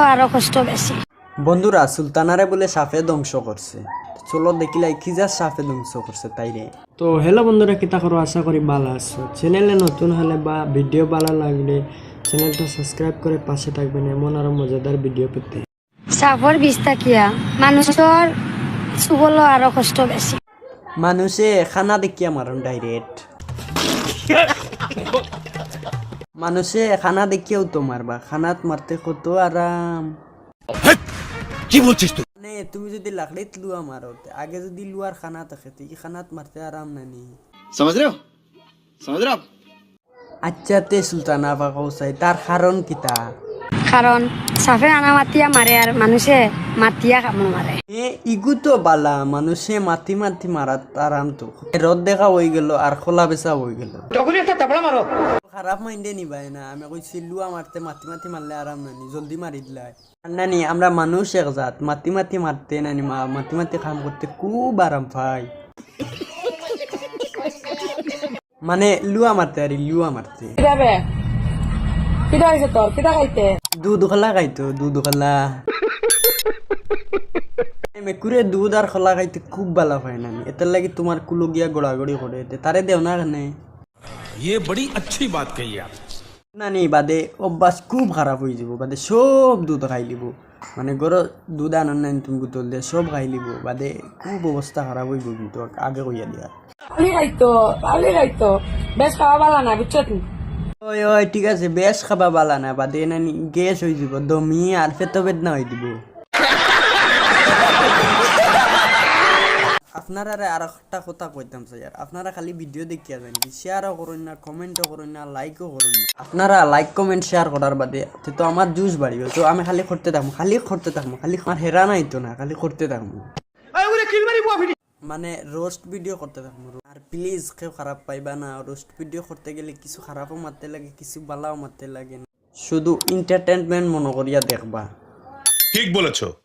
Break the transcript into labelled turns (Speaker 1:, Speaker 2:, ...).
Speaker 1: আরো কষ্ট বেশি।
Speaker 2: বন্ধুরা সুলতানারে বলে সাপে ধ্বংস করছে, চলো দেখিলাই কি যা সাপে ধ্বংস করছে তাইরে।
Speaker 3: তো হ্যালো বন্ধুরা, কিতা করো, আশা করি ভালো আছো। চ্যানেলে নতুন হলে বা ভিডিও ভালো লাগলে চ্যানেলটা সাবস্ক্রাইব করে পাশে থাকবেন এমন আরো মজাদার ভিডিও পেতে।
Speaker 1: সাপর বিষ থাকিয়া মানুষের চুবলো আরো কষ্ট বেশি।
Speaker 2: মানুষে খানা দেখিয়া মারণ ডাইরেক্ট, মানুষে খানা দেখিয়াও তো মারবা, খানাত মারতে কত আরাম।
Speaker 4: কি বলছিস তুই?
Speaker 2: মানে তুমি যদি লাকড়িত লুয়া মারো, আগে যদি লুয়ার খানা থাকে তো এই খানাত মারতে আরাম নানি।
Speaker 4: समझ रहे हो समझ रहे हो आप?
Speaker 2: আচ্ছা তে সুলতানা বা কৌসাই তার কারণ কিতা?
Speaker 1: কারণ সাপে আনা মাতিয়া মারে আর মানুষে মাতিয়া কামড় মারে।
Speaker 2: ইগু তো বালা, মানুষে মাতি মাতি মারাত আরাম তো। রদ দেখা হয়ে গেল আর খোলা বেচা হয়ে গেল, খারাপ মাইন্ডে নিবাই না। আমি কইছি লুয়া মারতে মাতি মাতি মারলে আরাম নানি, জলদি মারি দিলাই নানি। আমরা মানুষ এক জাত, মাতি মাতি মারতে নানি, মাতি মাতি কাম করতে খুব আরাম পাই। মানে লুয়া মারতে আর লুয়া মারতে। দুধ খোলা খাইতো, দুধ খোলা মেকুরে দুধ আর খোলা খাইতে খুব ভালো পায় নানি। এটার লাগি তোমার কুলো গিয়া গোড়াগড়ি করে তারে দেও না কেনে?
Speaker 4: ये बड़ी अच्छी बात कही आप।
Speaker 2: নানি বাদে অভ্যাস খুব খারাপ হয়ে যাব, বাদে সব দুধ খাই লিব। মানে গরো দুধ আনার নাই তুমি বোতল দিয়ে সব খাই লিব, বাদে খুব অবস্থা খারাপ হইব। কিন্তু আগে কইয়া দিয়া ওই ওই ঠিক আছে, বেশ খাবা বালা না, বাদে নানি গ্যাস হয়ে যাব, দমি আর পেট বেদনা হয়ে দিব। আপনারা আর একটা কথা কইতাম স্যার, আপনারা খালি ভিডিও দেখিয়া যান, শেয়ারও করুন না, কমেন্টও করুন না, লাইকও করুন না। আপনারা লাইক কমেন্ট শেয়ার করার বাদে তো আমার জুস বাড়িবে, তো আমি খালি করতে থাকবো, খালি করতে থাকবো, খালি আমার হেরা নাই তো না, খালি করতে থাকবো। মানে রোস্ট ভিডিও করতে থাকবো। আর প্লিজ কেউ খারাপ পাইবা না, রোস্ট ভিডিও করতে গেলে কিছু খারাপও মারতে লাগে, কিছু বালাও মারতে লাগে না, শুধু এন্টারটেনমেন্ট মনে করিয়া দেখবা।
Speaker 5: ঠিক বলেছো।